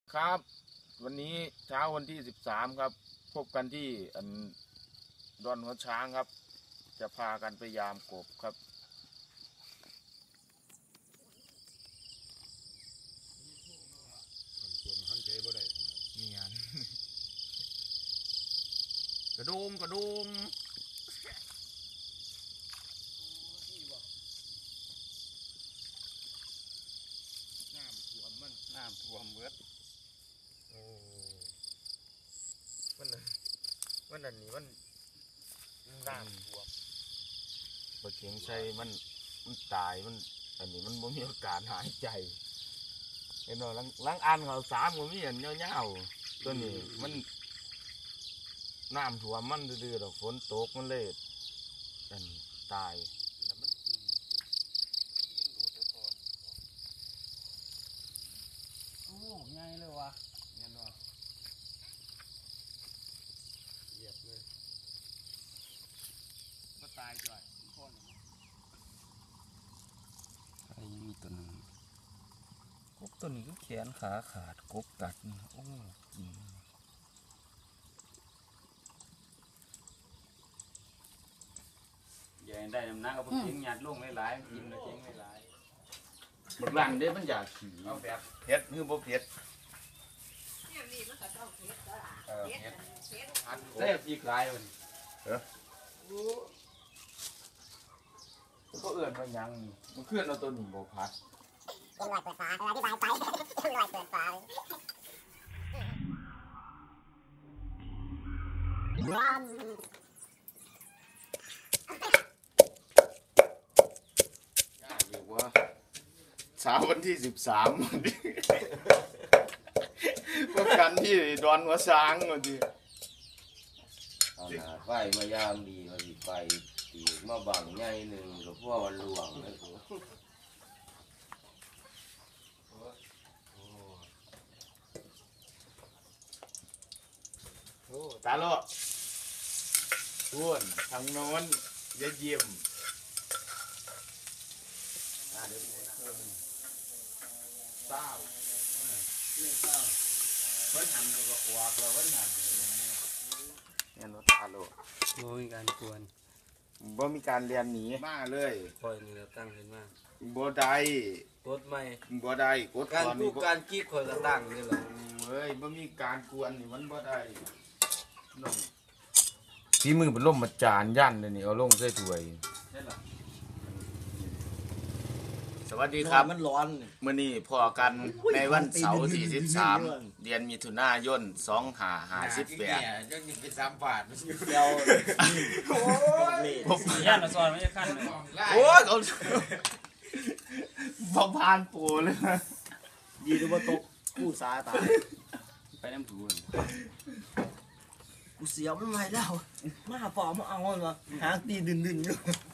ครับวันนี้เช้าวันที่13ครับพบกันที่ดอนหัวช้างครับจะพากันไปยามกบครับนี่งานกระโดมน้ำท่วมเบิดโอ้มันอันนี้มันน้ำท่วมปลาเข็งใส่มันตายมันอันนี้มันบ่มีโอกาสหายใจเห็นบ่ลังอันเขา3ก็มีอันยาวๆตัวนี้มันน้ำท่วมมันดื้อๆดอกฝนตกมันเลยอันตายโอ้ง่ายเลยวะเงี้ยเนาะเหยียบเลยก็ตายจ่อยคนไอ้ยังมีตัวนึงกบตัวนี้ก็แขนขาขาดกบกัดโอ้กินใหญ่ได้น้ำหนักก็พอทิ้งหยาดลงหลายๆกินแล้วทิ้งหลายๆบักหลังเด้มันอยากขี่เอาแบบเผ็ดคือบ่เผ็ดเซ่บอีกหลายวันเขาเอื่นว่าหยังนี่มันเคลื่อนเอาตัวนี้บ่พัดลงหน่อยเปิดฝาอธิบายไปลงหน่อยเปิดฝาอยู่ว่าเช้าวันที่13วันนี้พบกันที่ดอนหัวช้างวันนี้เอาหนาไฟมายามดีมาดีไฟตีมาบังใหญ่หนึ่งกับพวกมันหลวงนะกูโอ้ตาโลอ้วนทางโน้นยะเยี่ยมเศร้าเพิ่นหันก็อวกแล้วเพิ่นหันเนี่ยรถตาโลโอ้ยการกวนบ่มีการเรียนหนีมาเลยปล่อยนี่แล้วตั้งขึ้นมาบ่ได้กดไม่บ่ได้กดการก่อนพูนี่ดการกี้คอยก็ตั้งนี่แหละเฮ้ยบ่มีการกวนนี่มันบ่ได้น้องฝีมือเป็นล่มมาจานยันเลยนี่เอาลงใส่ถ้วยใช่หรอสวัสดีครับมันร้อนมื่อนี้พอกันในวันเสาร์ที่13เดือนมิถุนายน2558 ยังเป็น3 บาทไม่ใช่เดียวย่านมาซอยไม่ใช่ขั้นเลยโอ้ยเขาบ่ผ่านปูเลยยีดูว่าตกกู้สาตายไปน้ำถูนกูเสียวมันไม่แล้วมาปอมาเอามันวะหางตีดึนอยู่